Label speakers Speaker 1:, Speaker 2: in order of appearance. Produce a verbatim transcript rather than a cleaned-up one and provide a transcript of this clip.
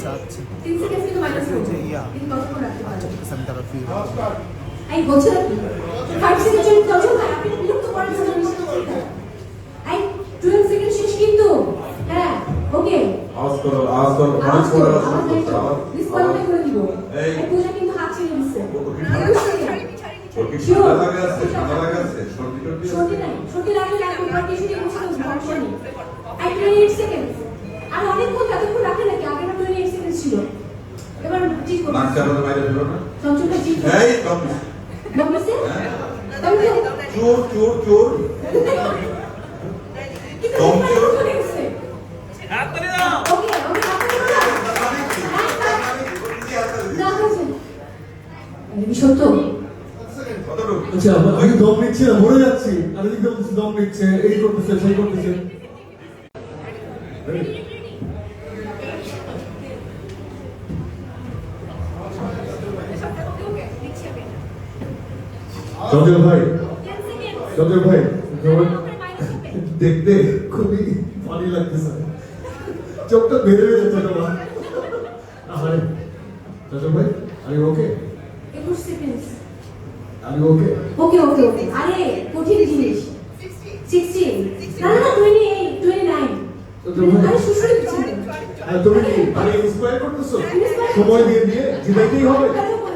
Speaker 1: চাচ্ছে
Speaker 2: তিন সেকেন্ড কিন্তু মাইনাস করব
Speaker 1: যে ইয়া
Speaker 2: কিন্তু কতক্ষণ রাখতে পারবে
Speaker 1: সেন্টার অফ ফিল
Speaker 2: আই হচ্ছে না কি ফাইভ সেকেন্ড চলে যাচ্ছে না আপনি বিরক্ত করার জন্য নিশ্চিত আই টুয়েলভ সেকেন্ড শেষ কিন্তু হ্যাঁ ওকে
Speaker 3: আওয়াজ করো আওয়াজ করো পাঁচ করে আওয়াজ
Speaker 2: ডিসকোয়ালিফাই করে দিব এই পূজা কিন্তু হাত ছেড়ে দিচ্ছে
Speaker 3: ওকে ঠান্ডা লাগা আছে ঠান্ডা লাগা আছে সর্দি টর্দি
Speaker 2: সর্দি নাই সর্দি লাগলে লাগবে বাট কিছু দিয়ে বসে সমস্যা নেই আই টোয়েন্টি এইট সেকেন্ড আর অনেকক্ষণ এতক্ষণ রাখে নাকি আগে না টোয়েন্টি এইট সেকেন্ড ছিল এবার ঠিক করো
Speaker 3: নাক চাপাতে বাইরে বেরো না
Speaker 2: সঞ্চয়টা ঠিক
Speaker 3: এই কম
Speaker 2: বলছে
Speaker 3: চোর চোর চোর কম চোর
Speaker 2: হাত ধরে দাও ওকে ওকে হাত ধরে দাও না হচ্ছে এই সত্য
Speaker 4: আচ্ছা আমি দম নিচ্ছি না মরে যাচ্ছি আর এদিকে দম নিচ্ছে এই করতেছে সেই করতেছে সজল ভাই সজল ভাই দেখতে খুবই ফানি লাগতেছে চোখটা বেড়ে যাচ্ছে তোমার আরে সজল ভাই আরে ওকে
Speaker 2: একুশ সেকেন্ড
Speaker 4: আরে ওকে
Speaker 2: ওকে ওকে ওকে আরে কঠিন জিনিস সিক্সটিন না না টোয়েন্টি এইট টোয়েন্টি নাইন আরে সুশুরি দিচ্ছি
Speaker 4: তুমি কি আরে ইন্সপায়ার করতেছো সময় দিয়ে দিয়ে জিতাইতেই হবে